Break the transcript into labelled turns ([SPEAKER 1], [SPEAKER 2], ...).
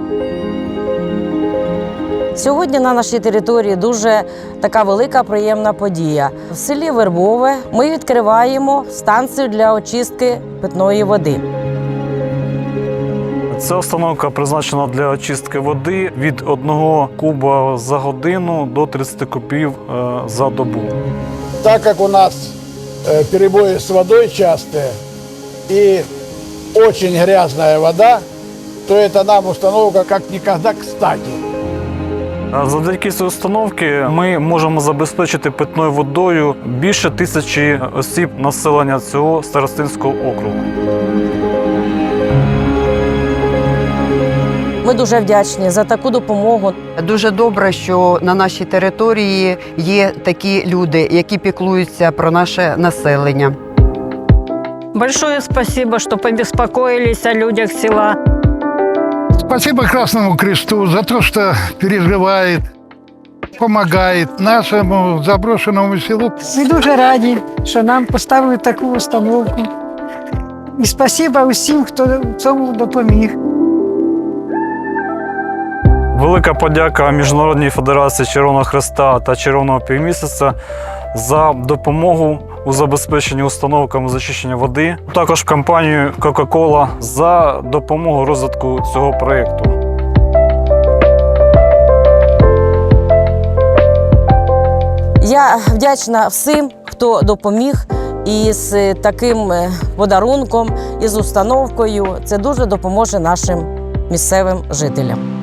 [SPEAKER 1] Сьогодні на нашій території дуже така велика приємна подія. В селі Вербове ми відкриваємо станцію для очистки питної води.
[SPEAKER 2] Ця установка призначена для очистки води від 1 куба за годину до 30 кубів за добу.
[SPEAKER 3] Так как у нас перебои с водой частые и очень грязная вода, то это нам установка как никогда кстати.
[SPEAKER 2] Завдяки цій установці ми можемо забезпечити питною водою більше 1000 осіб населення цього старостинського округу.
[SPEAKER 1] Ми дуже вдячні за таку допомогу.
[SPEAKER 4] Дуже добре, що на нашій території є такі люди, які піклуються про наше населення.
[SPEAKER 5] Большое спасибо, что побеспокоились о людях села.
[SPEAKER 6] Спасибо Красному Кресту за то, что переживает, помогает нашему заброшенному селу.
[SPEAKER 7] Ми дуже раді, що нам поставили таку установку. І спасибо усім, хто в цьому допоміг.
[SPEAKER 2] Велика подяка Міжнародній федерації Червоного Хреста та Червоного Півмісяця за допомогу у забезпеченні установками з очищення води. Також компанію Coca-Cola за допомогу розвитку цього проєкту.
[SPEAKER 1] Я вдячна всім, хто допоміг із таким подарунком, із установкою. Це дуже допоможе нашим місцевим жителям.